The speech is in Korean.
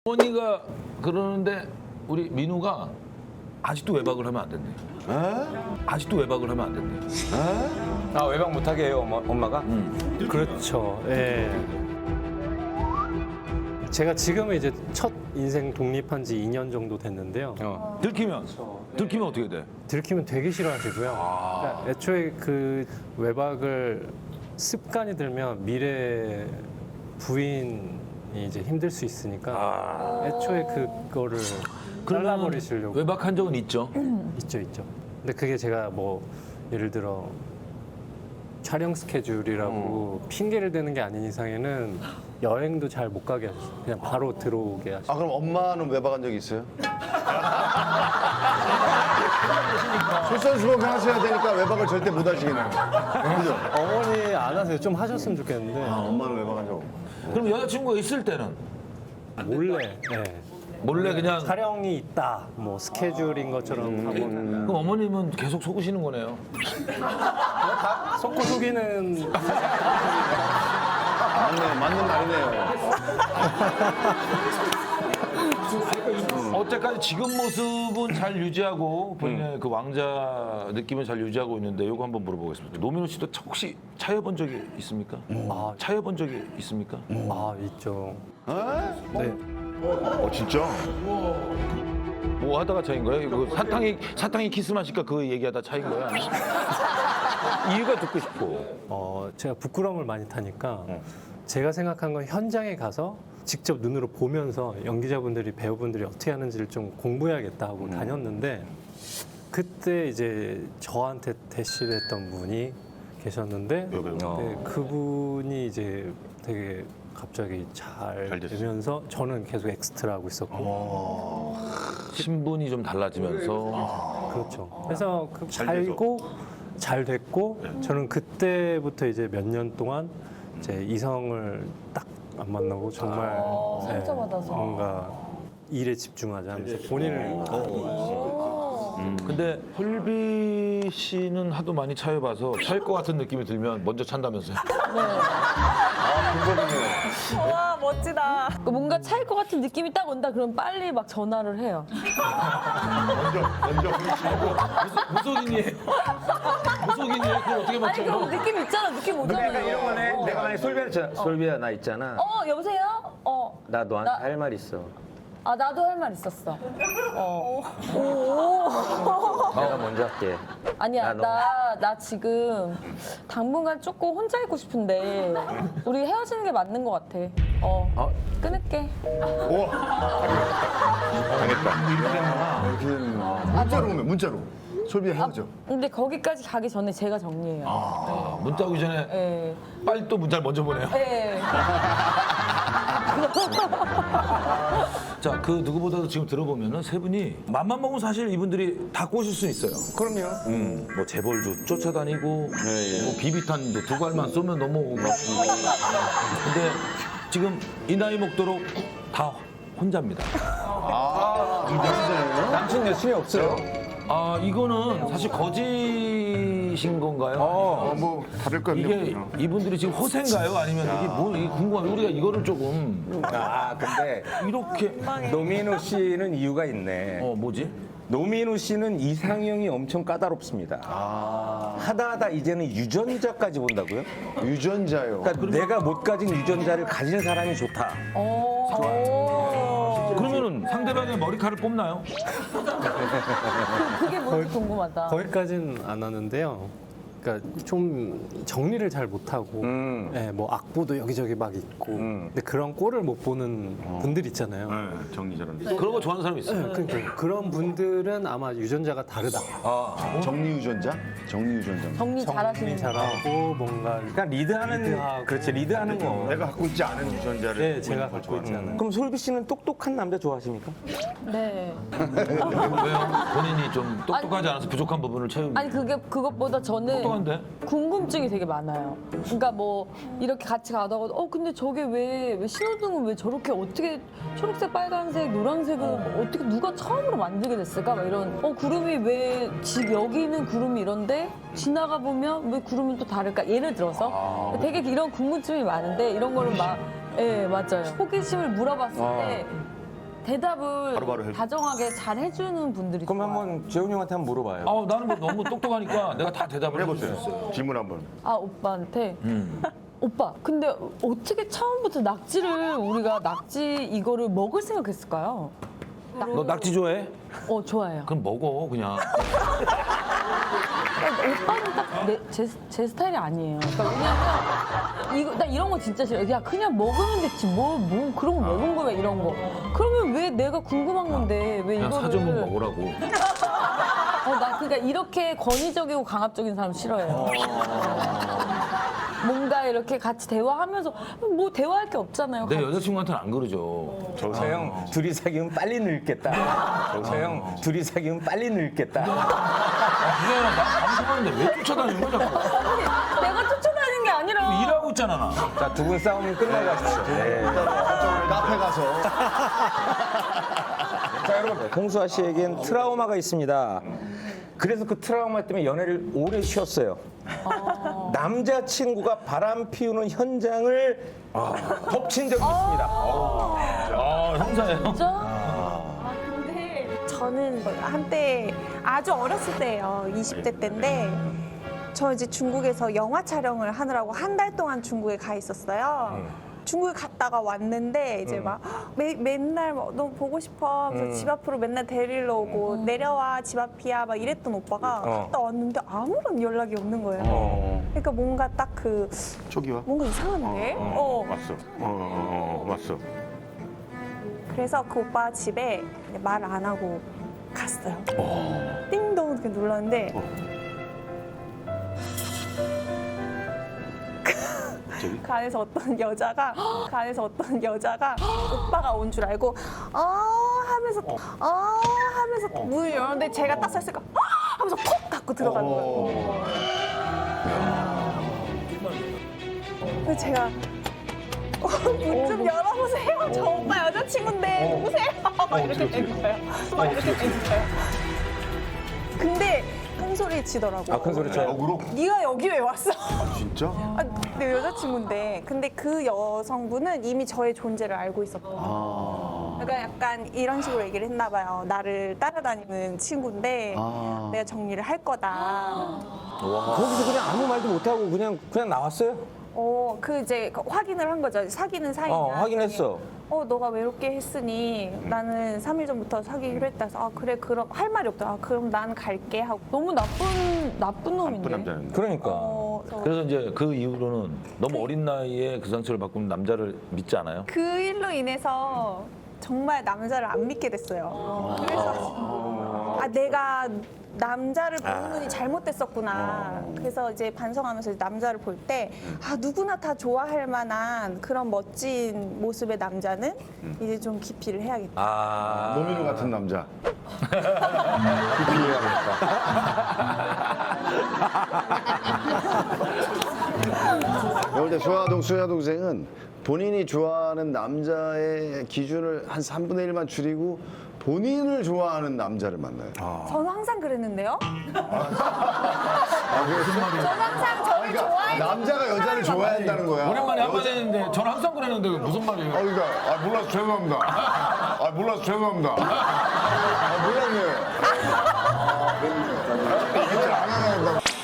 어머니가 그러는데 우리 민우가 아직도 외박을 하면 안 된대. 아직도 외박을 하면 안 된대. 아, 외박 못하게 해요, 엄마가? 그렇죠. 예. 제가 지금은 이제 첫 인생 독립한 지 2년 정도 됐는데요. 들키면 어떻게 돼? 들키면 되게 싫어하시고요. 그러니까 애초에 그 외박을 습관이 들면 미래 부인이 이제 힘들 수 있으니까 애초에 그거를 잘라버리시려고. 외박한 적은 있죠. 있죠. 근데 그게 제가 뭐 예를 들어 촬영 스케줄이라고 핑계를 대는 게 아닌 이상에는 여행도 잘 못 가게 하셨어요. 그냥 바로 들어오게 하셨어요. 아, 그럼 엄마는 외박한 적 있어요? 솔선수범 하셔야 되니까 외박을 절대 못 하시겠네요. 그죠? 어머니 안 하세요. 좀 하셨으면 좋겠는데 아, 엄마는 외박한 적 없고. 그럼 여자친구가 있을 때는 몰래 몰래 그냥 촬영이 있다. 뭐 스케줄인 것처럼 하고 그럼 어머님은 계속 속으시는 거네요. 속고 속이는 맞는 말이네요. 어쨌까지 지금 모습은 잘 유지하고 본인의 그 왕자 느낌을 잘 유지하고 있는데 이거 한번 물어보겠습니다. 노민호 씨도 혹시 차여본 적이 있습니까? 차여본 적이 있습니까? 있죠. 네. 진짜? 뭐 하다가 차인 거예요? 이거 사탕이 키스 마실까 그 얘기하다 차인 거야? 이유가 듣고 싶고. 제가 부끄러움을 많이 타니까 제가 생각한 건 현장에 가서 직접 눈으로 보면서 연기자분들이 배우분들이 어떻게 하는지를 좀 공부해야겠다 하고 다녔는데 그때 이제 저한테 대시를 했던 분이 계셨는데 네, 그분이 이제 되게 갑자기 잘 되면서 저는 계속 엑스트라 하고 있었고 신분이 좀 달라지면서 그렇죠. 그래서 살고 잘 됐고 저는 그때부터 이제 몇 년 동안 이제 이성을 딱 안 만나고 정말 상처받아서. 뭔가 일에 집중하자 하면서 본인을 근데 홀비 씨는 하도 많이 차여봐서 차일 것 같은 느낌이 들면 먼저 찬다면서요? 와 멋지다. 뭔가 차일 것 같은 느낌이 딱 온다. 그럼 빨리 막 전화를 해요. 무속인이에요. 무속인이에요. 그걸 어떻게 아니 맞춰요? 그럼 느낌 있잖아. 느낌 오잖아요. 그러니까 이런 거네. 내가 만약에 솔비야, 나 있잖아. 여보세요? 나 너한테 나- 할 말 있어. 나도 할 말 있었어. 내가 먼저 할게. 아니야, 나 지금 당분간 조금 혼자 있고 싶은데 우리 헤어지는 게 맞는 것 같아. 끊을게. 문자로 오면 문자로. 솔비 헤어져. 근데 거기까지 가기 전에 제가 정리해요. 문자 오기 전에 네. 빨리 또 문자를 먼저 보내요. 네. 자, 그 누구보다도 지금 들어보면은 세 분이 맘만 먹으면 사실 이분들이 다 꼬실 수 있어요. 그럼요. 뭐 재벌도 쫓아다니고, 뭐 비비탄도 두 발만 쏘면 넘어오고. 근데 지금 이 나이 먹도록 다 혼자입니다. 남친 여친이 없어요. 이거는 사실 거짓인 건가요? 뭐 다를 거 이게 이분들이 지금 허세인가요? 아니면 이게 이게 궁금해요. 우리가 이거를 조금 근데 이렇게 노민호 씨는 이유가 있네. 뭐지? 노민호 씨는 이상형이 엄청 까다롭습니다. 하다 이제는 유전자까지 본다고요? 유전자요. 그러니까 내가 못 가진 유전자를 가진 사람이 좋다. 그러면은 상대방의 머리카락을 뽑나요? 그게 뭔지 궁금하다. 거기까지는 안 하는데요. 그러니까 좀 정리를 잘 못하고 네, 뭐 악보도 여기저기 막 있고 근데 그런 꼴을 못 보는 분들 있잖아요. 정리 저런. 그런 거 좋아하는 사람이 있어요. 그러니까 그런 분들은 아마 유전자가 다르다. 정리 유전자? 정리 유전자. 정리 잘하시는 분. 잘하고 뭔가 그러니까 리드하는 그렇지 리드하는 거. 내가 갖고 있지 않은 유전자를. 네, 제가 갖고 있지 않아요. 그럼 솔비 씨는 똑똑한 남자 좋아하십니까? 네. 왜요? 본인이 좀 똑똑하지 않아서 부족한 부분을 채우기. 아니 그것보다 저는 똑똑한데? 궁금증이 되게 많아요. 그러니까 뭐 이렇게 같이 가다가 근데 저게 왜 신호등은 왜 저렇게 어떻게 초록색, 빨간색, 노란색은 어떻게 누가 처음으로 만들게 됐을까? 막 이런 구름이 왜 집 여기는 구름이 이런데 지나가 보면 왜 구름은 또 다를까? 예를 들어서 되게 이런 궁금증이 많은데 이런 거를 막 맞아요. 호기심을 물어봤을 때 대답을 바로바로 해줘. 다정하게 잘 해주는 분들이 그럼 좋아요. 한번 재훈이 형한테 한번 물어봐요. 나는 뭐 너무 똑똑하니까 내가 다 대답을 해볼 수 있어요. 질문 한번. 아 오빠한테 오빠 근데 어떻게 처음부터 낙지를 우리가 낙지 이거를 먹을 생각했을까요? 너 낙지 좋아해? 좋아해요. 그럼 먹어 그냥. 오빠는 딱 제 스타일이 아니에요. 그러니까 왜냐면 나 이런 거 진짜 싫어. 야 그냥 먹으면 됐지 뭐 그런 거 먹은 거야 이런 거. 그러면 왜 내가 궁금한 건데 왜 그냥 이거를 사주면 먹으라고. 나 그러니까 이렇게 권위적이고 강압적인 사람 싫어해요. 뭔가 이렇게 같이 대화하면서 뭐 대화할 게 없잖아요. 내 여자친구한테는 안 그러죠. 저 형 둘이 사귀면 빨리 늙겠다. 저 형 둘이 사귀면 빨리 늙겠다. 그게 아니라 나 방송하는데 왜 쫓아다니는 거야 자꾸. 내가 쫓아다니는 게 아니라 일하고 있잖아 나. 자, 두 분 싸움 끝나가십시오. 네. 카페 가서. 자, 여러분, 홍수아 씨에겐 트라우마가 있습니다. 그래서 그 트라우마 때문에 연애를 오래 쉬었어요. 남자친구가 바람 피우는 현장을 덮친 적이 있습니다. 형사예요. 진짜 저는 한때 아주 어렸을 때예요. 20대 때인데 저 이제 중국에서 영화 촬영을 하느라고 한 달 동안 중국에 가 있었어요. 중국에 갔다가 왔는데 이제 막 맨날 막 너무 보고 싶어 하면서 집 앞으로 맨날 데리러 오고 내려와 집 앞이야 막 이랬던 오빠가 갔다 왔는데 아무런 연락이 없는 거예요. 그러니까 뭔가 딱 그 초기화. 뭔가 이상한데? 왔어. 왔어. 그래서 그 오빠 집에 말 안 하고 갔어요. 띵동 이렇게 눌렀는데 그 안에서 어떤 여자가 오빠가 온 줄 알고 하면서 문을 열었는데 제가 딱 섰으니까 하면서 톡 닫고 들어가는 거예요. 그래서 제가 문 좀 열어보세요. 저 오빠 여자친구인데 누구세요? 막 이렇게 된 거예요. 막 이렇게 된 거예요. 근데 큰 소리 치더라고. 큰 소리 쳐요. 역으로? 네가 여기 왜 왔어? 진짜? 내 여자친구인데. 근데 그 여성분은 이미 저의 존재를 알고 있었고. 그러니까 약간 이런 식으로 얘기를 했나 봐요. 나를 따라다니는 친구인데 내가 정리를 할 거다. 거기서 그냥 아무 말도 못하고 그냥 나왔어요? 그 이제 확인을 한 거죠. 사귀는 사이냐. 확인했어. 너가 외롭게 했으니 나는 3일 전부터 사귀기로 했다 해서 그래 그럼 할 말이 없다. 그럼 난 갈게 하고 너무 나쁜 놈인데. 나쁜 남자는. 그러니까. 그래서 이제 그 이후로는 너무 어린 나이에 그 상처를 받고 있는 남자를 믿지 않아요? 그 일로 인해서 정말 남자를 안 믿게 됐어요. 그래서 내가 남자를 보는 눈이 잘못됐었구나. 그래서 이제 반성하면서 남자를 볼 때 누구나 다 좋아할 만한 그런 멋진 모습의 남자는 이제 좀 기피를 해야겠다. 노민우 같은 남자. 내가 볼때 수야 동생은 본인이 좋아하는 남자의 기준을 한 3분의 1만 줄이고 본인을 좋아하는 남자를 만나요. 저는 항상 그랬는데요. 저는 무슨 말이야? 항상 저를 좋아해. 남자가 여자를 좋아야 한다는 거야. 오랜만에 한마디 했는데 저는 항상 그랬는데 무슨 말이에요? 그러니까 몰라서 죄송합니다. 몰라서 죄송합니다. 몰랐네요. 얘기를 안 하나